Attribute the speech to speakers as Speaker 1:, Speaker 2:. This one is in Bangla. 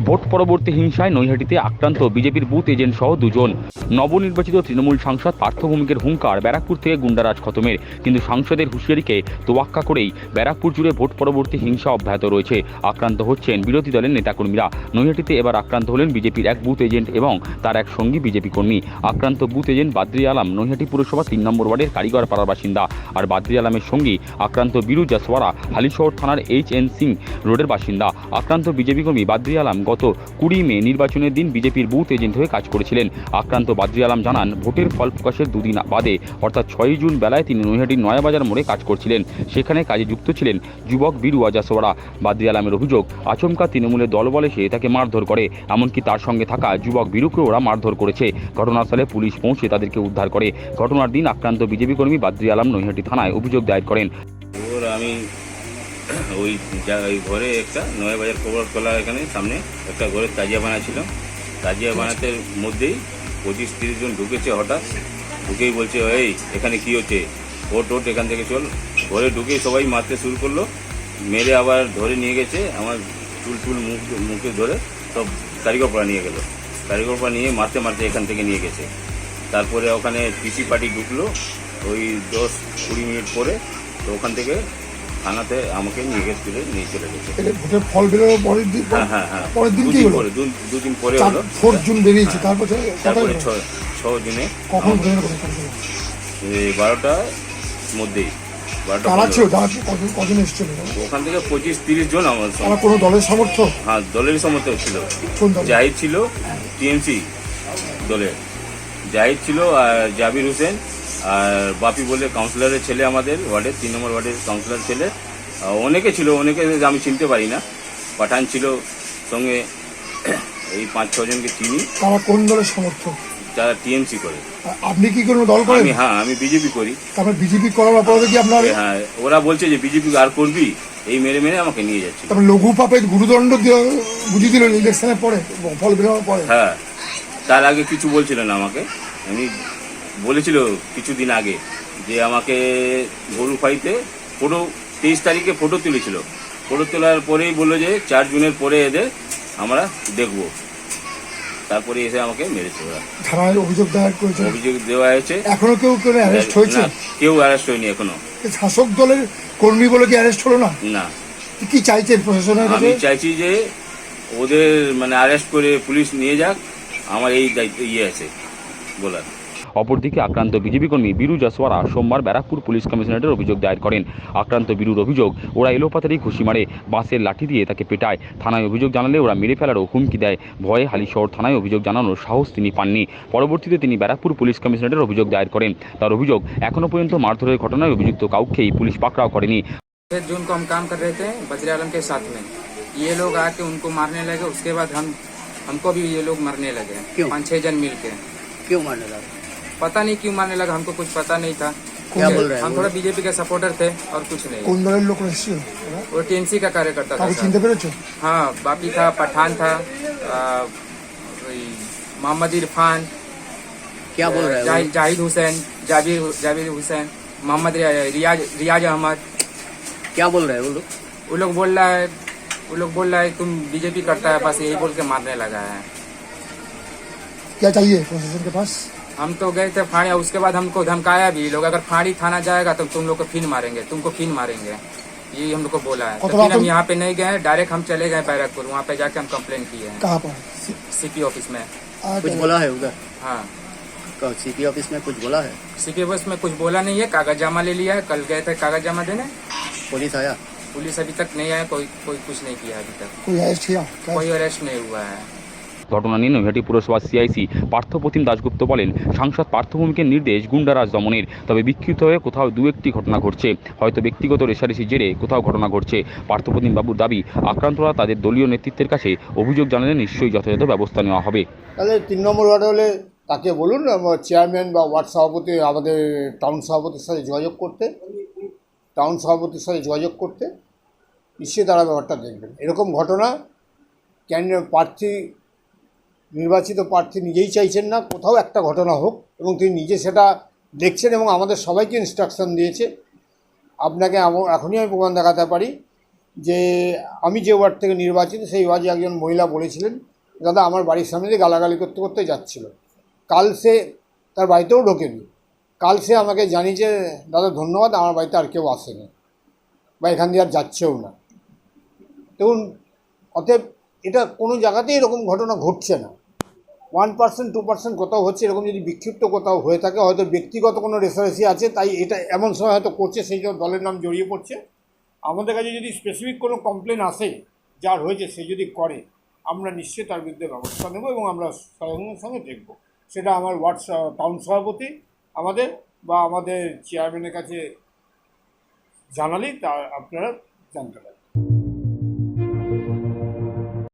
Speaker 1: ভোট পরবর্তী হিংসায় নৈহাটিতে আক্রান্ত বিজেপির বুথ এজেন্ট সহ দুজন। নবনির্বাচিত তৃণমূল সাংসদ পার্থ ভৌমিকের হুঙ্কার ব্যারাকপুর থেকে গুন্ডারাজ খতমের, কিন্তু সাংসদের হুঁশিয়ারিকে তোয়াক্কা করেই ব্যারাকপুর জুড়ে ভোট পরবর্তী হিংসা অব্যাহত রয়েছে। আক্রান্ত হচ্ছেন বিরোধী দলের নেতাকর্মীরা। নৈহাটিতে এবার আক্রান্ত হলেন বিজেপির এক বুথ এজেন্ট এবং তার এক সঙ্গী বিজেপি কর্মী। আক্রান্ত বুথ এজেন্ট বাদ্রি আলম নৈহাটি পুরসভা ৩ নম্বর ওয়ার্ডের কারিগর পাড়ার বাসিন্দা, আর বাদ্রি আলমের সঙ্গী আক্রান্ত বীরু জাসওয়ারা হালিশহর থানার HN সিং রোডের বাসিন্দা। আক্রান্ত বিজেপি কর্মী বাদ্রি আলম গত 20 মে নির্বাচনের দিন বিজেপির বুথ এজেন্ট হয়ে কাজ করেছিলেন। আক্রান্ত বাদ্রি আলম জানান, ভোটের ফল প্রকাশের দুদিন বাদে অর্থাৎ 6 জুন বেলায় তিনি নৈহাটির নয়াবাজার মোড়ে কাজ করছিলেন। সেখানে কাজে যুক্ত ছিলেন যুবক বীরু জাসওয়ারা। বাদ্রি আলমের অভিযোগ, আচমকা তৃণমূলের দলবল এসে তাকে মারধর করে, এমনকি তার সঙ্গে থাকা যুবক বীরুকে ওরা মারধর করেছে। ঘটনাস্থলে পুলিশ পৌঁছে তাদেরকে উদ্ধার করে। ঘটনার দিন আক্রান্ত বিজেপি কর্মী বাদ্রি আলম নৈহাটি থানায় অভিযোগ দায়ের করেন।
Speaker 2: আমি ওই ঘরে একটা নয়াবাজার খবরতলা এখানে সামনে একটা ঘরে তাজিয়া বানাচ্ছিল। তাজিয়া বানাতে মধ্যেই 25-30 জন ঢুকেছে। হঠাৎ ঢুকেই বলছে, এই এখানে কি হচ্ছে, ওট এখান থেকে চল। ঘরে ঢুকেই সবাই মারতে শুরু করলো। মেরে আবার ধরে নিয়ে গেছে, আমার চুল মুখে ধরে সব কারিগরপাড়া নিয়ে গেল। কারিগরপাড়া নিয়ে মারতে মারতে এখান থেকে নিয়ে গেছে। তারপরে ওখানে পিসি পার্টি ঢুকলো ওই 10-20 মিনিট পরে। তো ওখান থেকে থানাতে আমাকে নিয়ে চলে গেছে।
Speaker 3: ভোটের ফল বেরোনোর পরের দিন, পরের দিন কি হলো?
Speaker 2: দুদিন পরে হলো।
Speaker 3: 4 জুন বেরিয়েছে, তারপরে
Speaker 2: 6 জুনে
Speaker 3: কখন
Speaker 2: 12টার মধ্যেই।
Speaker 3: কজন এসেছিল
Speaker 2: ওখান থেকে 25-30 জন আমার সঙ্গে।
Speaker 3: কোনো দলের সমর্থ?
Speaker 2: হ্যাঁ, দলেরই সমর্থক ছিল। জাহিদ ছিল, টিএমসি দলের জাহিদ ছিল, আর জাবির হোসেন আর বাপি বলে কাউন্সিলরের ছেলে, আমাদের ওয়ার্ডের 3 নম্বর ওয়ার্ডের কাউন্সিলর ছেলে। অনেকে ছিল, অনেকে আমি চিনতে পারি না। পাঠান ছিল সঙ্গে, এই 5-6 জনকে চিনি।
Speaker 3: তারা কোন দলের সমর্থক?
Speaker 2: যারা টিএমসি করে।
Speaker 3: আপনি কি কোনো দল করেন?
Speaker 2: হ্যাঁ, আমি বিজেপি করি।
Speaker 3: তারপর বিজেপি করার অপরাধে কি আপনার?
Speaker 2: হ্যাঁ, ওরা বলছে যে বিজেপি আর করবি, এই মেরে আমাকে নিয়ে যাচ্ছে।
Speaker 3: তারপর লঘু পাপে গুরুদণ্ড বুঝিয়ে দিল ইলেকশনের পরে, ফল বেরোনোর পরে।
Speaker 2: হ্যাঁ, তার আগে কিছু বলছিল না আমাকে। আমি বলেছিল কিছুদিন আগে যে আমাকে গরু ফাইতে ফটো 23 তারিখে ফটো তুলেছিল। ফটো তোলার পরেই বললো যে 4 জুনের পরে এদের আমরা দেখব। তারপরে এসে আমাকে মেরেছে ওরা।
Speaker 3: থানায় অভিযোগ দায়ের করেছে?
Speaker 2: অভিযোগ দেওয়া হয়েছে।
Speaker 3: এখনো কেউ অ্যারেস্ট হয়েছে?
Speaker 2: কেউ অ্যারেস্ট হয়নি এখনো।
Speaker 3: শাসক দলের কর্মী বলে কি অ্যারেস্ট হলো না?
Speaker 2: না।
Speaker 3: কি চাইছেন প্রশাসনের কাছে?
Speaker 2: আমি চাইছি যে ওদের অ্যারেস্ট করে পুলিশ নিয়ে যাক, আমার এই দায়িত্ব আছে বলার।
Speaker 1: অপরদিকে আক্রান্ত বিজেপি কর্মী বীরু জাসওয়ারা সোমবার ব্যারাকপুর পুলিশ কমিশনারেটের অভিযোগ দায়ের করেন। আক্রান্ত বীরুর অভিযোগ, ওরা এলোপাতাড়ি ঘুষি মারে, বাঁশের লাঠি দিয়ে তাকে পেটায়। থানায় অভিযোগ জানালে ওরা মেরে ফেলারও হুমকি দেয়। ভয়ে হালিশহর থানায় অভিযোগ জানানোর সাহস তিনি পাননি। পরবর্তীতে তিনি ব্যারাকপুর পুলিশ কমিশনারেটের অভিযোগ দায়ের করেন। তার অভিযোগ, এখনো পর্যন্ত মারধরের ঘটনায় অভিযুক্ত কাউকেই পুলিশ পাকড়াও করেনি।
Speaker 4: जून को हम काम कर रहे थे बद्री आलम के साथ में, ये लोग आके उनको मारने लगे। उसके बाद हमको भी ये लोग मारने लगे। 5-6 जन मिल के।
Speaker 5: क्यों मारने लगा?
Speaker 4: पता नहीं क्यों मारने लगा, हमको कुछ पता नहीं था।
Speaker 5: क्या बोल रहे हैं?
Speaker 4: हम थोड़ा बीजेपी के सपोर्टर थे और कुछ नहीं।
Speaker 3: কোন দলের লোক এসেছিল?
Speaker 4: वो टीएमसी का कार्यकर्ता था।
Speaker 3: চিনতে পেরেছো?
Speaker 4: हाँ, बापी था, पठान था, मोहम्मद इरफान,
Speaker 5: क्या बोल रहे हैं?
Speaker 4: जाहिद हुसैन, जाबिर हुसैन, मोहम्मद रियाज अहमद।
Speaker 5: क्या बोल रहे हैं वो लोग?
Speaker 4: वो लोग बोल रहा है तुम बीजेपी करता है, बस यही बोल के मारने लगा है।
Speaker 3: क्या चाहिए प्रशासन के पास?
Speaker 4: हम तो गए थे फाड़ी, उसके बाद हमको धमकाया भी लोग, अगर फाड़ी थाना जाएगा तो तुम लोग को फिर मारेंगे, तुमको फिर मारेंगे, ये हम लोग को बोला है। तो फिर हम यहाँ पे नहीं गए, डायरेक्ट हम चले गए बैरकपुर। वहाँ पे जाके हम कंप्लेन किए हैं।
Speaker 3: कहाँ पर?
Speaker 4: सीपी ऑफिस में।
Speaker 5: कुछ बोला है उधर?
Speaker 4: हाँ,
Speaker 5: सीपी ऑफिस में कुछ बोला है?
Speaker 4: सीपी ऑफिस में कुछ बोला नहीं है, कागज जमा ले लिया है। कल गए थे कागज जमा देने।
Speaker 5: पुलिस आया?
Speaker 4: पुलिस अभी तक नहीं आया, कोई कुछ नहीं किया अभी तक।
Speaker 3: कोई अरेस्ट किया?
Speaker 4: कोई अरेस्ट नहीं हुआ है।
Speaker 1: ঘটনা নিয়ে নৈহাটি পুরসভার সিআইসি পার্থপ্রতিম দাশগুপ্ত বলেন, সাংসদ পার্থ ভৌমিকের নির্দেশ গুন্ডারাজ দমনের, তবে বিক্ষিপ্ত হয়ে কোথাও 2-1টি ঘটনা ঘটছে, হয়তো ব্যক্তিগত রেষারেষির জেরে কোথাও ঘটনা ঘটছে। পার্থপ্রতিম বাবুর দাবি, আক্রান্তরা তাদের দলীয় নেতৃত্বের কাছে অভিযোগ জানালে নিশ্চয়ই যথাযথ ব্যবস্থা নেওয়া হবে।
Speaker 6: তাহলে 3 নম্বর ওয়ার্ডে হলে তাকে বলুন চেয়ারম্যান বা ওয়ার্ড সভাপতি, আমাদের টাউন সভাপতির সাথে যোগাযোগ করতে, নিশ্চয়ই তারা ব্যাপারটা দেখবেন। এরকম ঘটনা নির্বাচিত প্রার্থী নিজেই চাইছেন না কোথাও একটা ঘটনা হোক, এবং তিনি নিজে সেটা দেখছেন এবং আমাদের সবাইকে ইনস্ট্রাকশন দিয়েছে। আপনাকে এখনই আমি প্রমাণ দেখাতে পারি যে আমি যে ওয়ার্ড থেকে নির্বাচিত সেই ওয়ার্ডে একজন মহিলা বলেছিলেন, দাদা আমার বাড়ির সামনে দিয়ে গালাগালি করতে করতে যাচ্ছিল। কাল সে তার বাড়িতেও ঢোকেনি। কাল সে আমাকে জানিয়েছে, দাদা ধন্যবাদ, আমার বাড়িতে আর কেউ আসেনি বা এখান দিয়ে আর যাচ্ছেও না। দেখুন, অতএব এটা কোনো জায়গাতেই এরকম ঘটনা ঘটছে না। 1% 2% কোথাও হচ্ছে, এরকম যদি বিক্ষিপ্ত কোথাও হয়ে থাকে হয়তো ব্যক্তিগত কোনো রেসারেসি আছে, তাই এটা এমন সময় হয়তো করছে, সেই জন্য দলের নাম জড়িয়ে পড়ছে। আমাদের কাছে যদি স্পেসিফিক কোনো কমপ্লেন আসে যার হয়েছে, সে যদি করে, আমরা নিশ্চয়ই তার বিরুদ্ধে ব্যবস্থা নেব এবং আমরা সঙ্গে সঙ্গে দেখব। সেটা আমার ওয়ার্ড টাউন সভাপতি আমাদের বা আমাদের চেয়ারম্যানের কাছে জানালেই তা আপনারা জানতে পারেন।